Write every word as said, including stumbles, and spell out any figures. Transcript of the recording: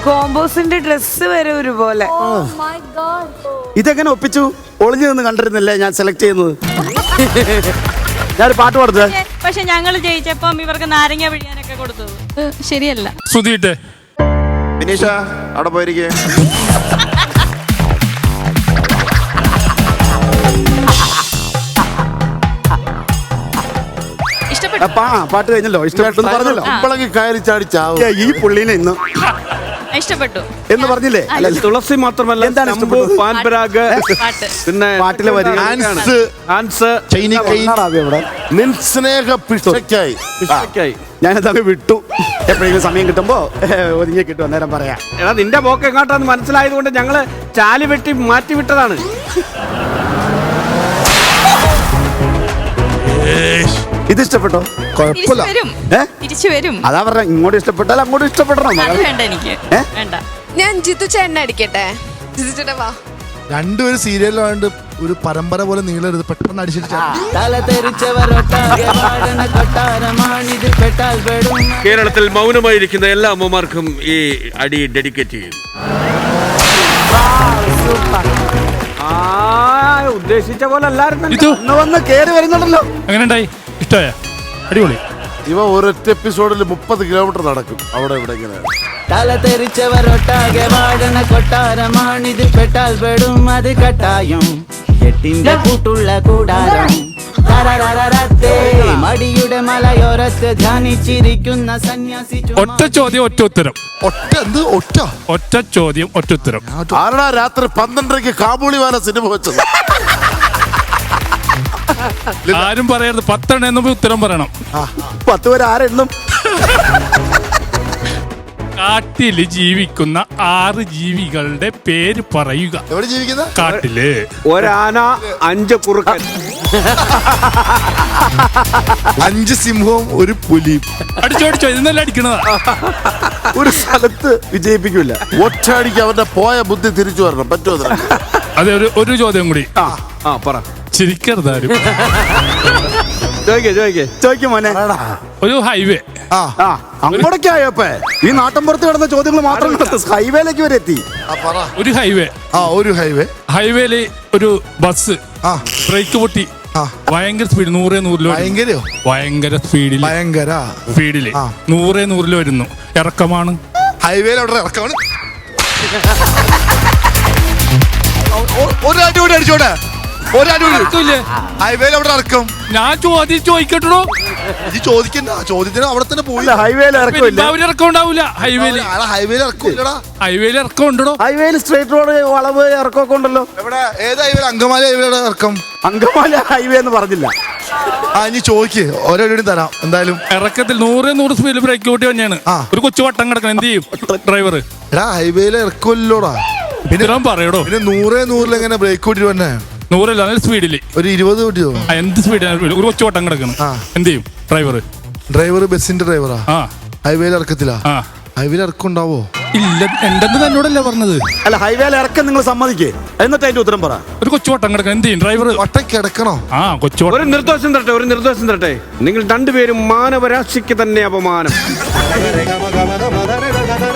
കോമ്പോസിന്റെ dress വരെ ഒരുപോലെ. ഇതെങ്ങനെ ഒപ്പിച്ചു? ഒളിഞ്ഞു നിന്ന് കണ്ടിരുന്നില്ലേ ഞാൻ സെലക്ട് ചെയ്യുന്നത്? ഞാനൊരു പാട്ട് പാടുന്നത്. പക്ഷെ ഞങ്ങൾ ജയിച്ചപ്പം ഇവർക്ക് നാരങ്ങ പിഴിയാനൊക്കെ കൊടുത്തത് ശരിയല്ല. സുധീട്ടെ വിനീഷ അവിടെ പോയിരിക്കേ. പാട്ട് കഴിഞ്ഞല്ലോ, ഇഷ്ടപ്പെട്ടു പറഞ്ഞല്ലോ. കയറി ചാടി ചാവും. ഈ പുള്ളിനെ ഇന്ന് ഇഷ്ടപ്പെട്ടു എന്ന് പറഞ്ഞില്ലേ? തുളസി മാത്രമല്ല, എന്താണ് പാൻപരാഗ്, പിന്നെ പാട്ടിലെ വരി, ഞാനതങ്ങ് വിട്ടു. എപ്പോഴെങ്കിലും സമയം കിട്ടുമ്പോ ഒതുങ്ങി കിട്ടും, അന്നേരം പറയാം. എടാ നിന്റെ പോക്ക് എങ്ങോട്ടാന്ന് മനസ്സിലായത് കൊണ്ട് ഞങ്ങള് ചാലി വെട്ടി മാറ്റി വിട്ടതാണ്. ഇത് ഇഷ്ടപ്പെട്ടോ? കുഴപ്പമില്ല. തിരിച്ചു വരും. അതാ പറഞ്ഞ, ഇങ്ങോട്ട് ഇഷ്ടപ്പെട്ടാൽ അങ്ങോട്ട് ഇഷ്ടപ്പെടണം. വേണ്ട എനിക്ക് വേണ്ട. ഞാൻ ജിത്തു ചേട്ടനെ അടിക്കട്ടെ. ജിത്തു ചേട്ടാ വാ. രണ്ടുപേരും സീരിയലാണ്ട് ഒരു പരമ്പര പോലെ നീളരുത്, പെട്ടെന്ന് അടിച്ചിട്ട്. കേരളത്തിൽ മൗനമായിരിക്കുന്ന എല്ലാ അമ്മമാർക്കും ഈ അടി ഡെഡിക്കേറ്റ് ചെയ്യും. ആ ഉദ്ദേശിച്ച പോലെ അല്ലായിരുന്നു. വന്ന് കേറി വരുന്നുണ്ടല്ലോ. എങ്ങനെ ഉണ്ടായി? ഇഷ്ടമായ? അടിപൊളി. ഇവ ഒരൊറ്റ എപ്പിസോഡിൽ മുപ്പത് കിലോമീറ്റർ നടക്കും അവിടെ ഇവിടെ ഇങ്ങനെ. തല തെറിച്ചവരൊട്ടാകെ വാഴണ കൊട്ടാരമാണിത്, പെട്ടാൽ പെടും അത് കട്ടായം. എട്ടിന്റെ കൂട്ടുള്ള കൂടാരം മടിയുടെ മലയോരത്ത് ധ്യാനിച്ചിരിക്കുന്ന സന്യാസി. ഒറ്റ ചോദ്യം ഒറ്റ ഉത്തരം. ഒറ്റ എന്ത്? ഒറ്റ ഒറ്റ ചോദ്യം ഒറ്റ ഉത്തരം. ആരടാ രാത്രി പന്ത്രണ്ടരയ്ക്ക് കാബൂളിവാല സിനിമ വെച്ചത്? ആരും പറയരുത്. പത്തെണ്ണം എന്നും ഉത്തരം പറയണം. പത്ത് പേര് ആരെണ്ണം? കാട്ടില് ജീവിക്കുന്ന ആറ് ജീവികളുടെ പേര് പറയുക. എവിടെ ജീവിക്കുന്ന? കാട്ടില്. ഒരാന, അഞ്ച് കുറുക്കൻ, അഞ്ച് സിംഹവും ഒരു പുലിയും. അടിച്ചോടിച്ചോ, ഇന്നലെ അടിക്കണതാ. ഒരു സ്ഥലത്ത് വിജയിപ്പിക്കൂല. ഒറ്റയടിക്ക് അവന്റെ പോയ ബുദ്ധി തിരിച്ചു വരണം. പറ്റുമോ? അതെ, ഒരു ഒരു ചോദ്യം കൂടി. ആ പറ. ചിരിക്കരുതാരും. ചോദിക്കേ ചോദിക്കേ ചോദിക്കും മോനെ. ഒരു ഹൈവേ. ആ അങ്ങോട്ടൊക്കെ ആയോപ്പേ. ഈ നാട്ടിൻപുറത്ത് കിടന്ന ചോദ്യങ്ങൾ മാത്രം ഹൈവേയിലേക്ക് വരെ എത്തി. ഒരു ഹൈവേ. ആ ഒരു ഹൈവേ. ഹൈവേയില് ഒരു ബസ് ബ്രേക്ക് പൊട്ടി ഭയങ്കര സ്പീഡ്, നൂറേ നൂറില്. ഭയങ്കരയോ? ഭയങ്കര സ്പീഡിൽ. ഭയങ്കര സ്പീഡില് നൂറേ നൂറില് വരുന്നു. ഇറക്കമാണ്. ഹൈവേയിൽ അവിടെ ഇറക്കമാണ്. ഒരു അടി കൂടി അടിച്ചോട്ടെ. ഹൈവേയിൽ അവിടെ ഇറക്കും. ഞാൻ ചോദ്യം ചോദിക്കട്ടോ. ഇത് ചോദിക്കണ്ട, ചോദ്യത്തിന് അവിടെ തന്നെ പോയി. ഹൈവേയിൽ ഇറക്കില്ല. ഇറക്കം ഉണ്ടാവില്ല. ഹൈവേയിൽ ഹൈവേയിൽ ഇറക്കില്ലടാ. ഹൈവേയിൽ ഇറക്കം ഉണ്ടോ? ഹൈവേയിൽ സ്ട്രേറ്റ് റോഡ് വളവ് ഇറക്കമൊക്കെ ഉണ്ടല്ലോ. എവിടെ? ഏത് ഹൈവേയിൽ? അങ്കമാലി ഹൈവേയുടെ ഇറക്കം. അങ്കമാലി ഹൈവേ എന്ന് പറഞ്ഞില്ല. ആ ഇനി ചോദിക്ക്, ഓരോ തരാം എന്തായാലും. ഇറക്കത്തിൽ നൂറ് നൂറ് സ്പീഡിൽ ബ്രേക്ക് കൂട്ടി തന്നെയാണ്. ഒരു കൊച്ചു വട്ടം കിടക്കണം. എന്ത് ചെയ്യും ഡ്രൈവർ? എടാ ഹൈവേയിൽ ഇറക്കമില്ലോടാ. പിന്നെ പറയടോ, പിന്നെ നൂറേ നൂറിൽ എങ്ങനെ ബ്രേക്ക് കൂട്ടി തന്നെ? നൂറല്ല, നല്ല സ്പീഡില്. ഒരു ഇരുപത് കൂട്ടിയോ? എന്ത് സ്പീഡ്? ഒരു കൊച്ചു വട്ടം കിടക്കണം. എന്ത് ചെയ്യും ഡ്രൈവർ? ഡ്രൈവർ ബസിന്റെ ഡ്രൈവറാ. ആ ഹൈവേയിൽ ഇറക്കത്തില്ല. ഹൈവേയിൽ ഇറക്കം ഉണ്ടാവോ? ഇല്ല, എന്തെന്ന് തന്നോടല്ലേ പറഞ്ഞത്? അല്ല, ഹൈവേയിൽ ഇറക്കം നിങ്ങൾ സമ്മതിക്കേ, എന്നിട്ട് അതിന്റെ ഉത്തരം പറ. ഒരു കൊച്ചു വട്ടം കിടക്കണം. എന്ത് ചെയ്യും ഡ്രൈവർ? വട്ടം കിടക്കണോ? ആ കൊച്ചു. ഒരു നിർദ്ദേശം തരട്ടെ, ഒരു നിർദ്ദേശം തരട്ടെ. നിങ്ങൾ രണ്ടുപേരും മാനവരാശിക്ക് തന്നെ അപമാനം.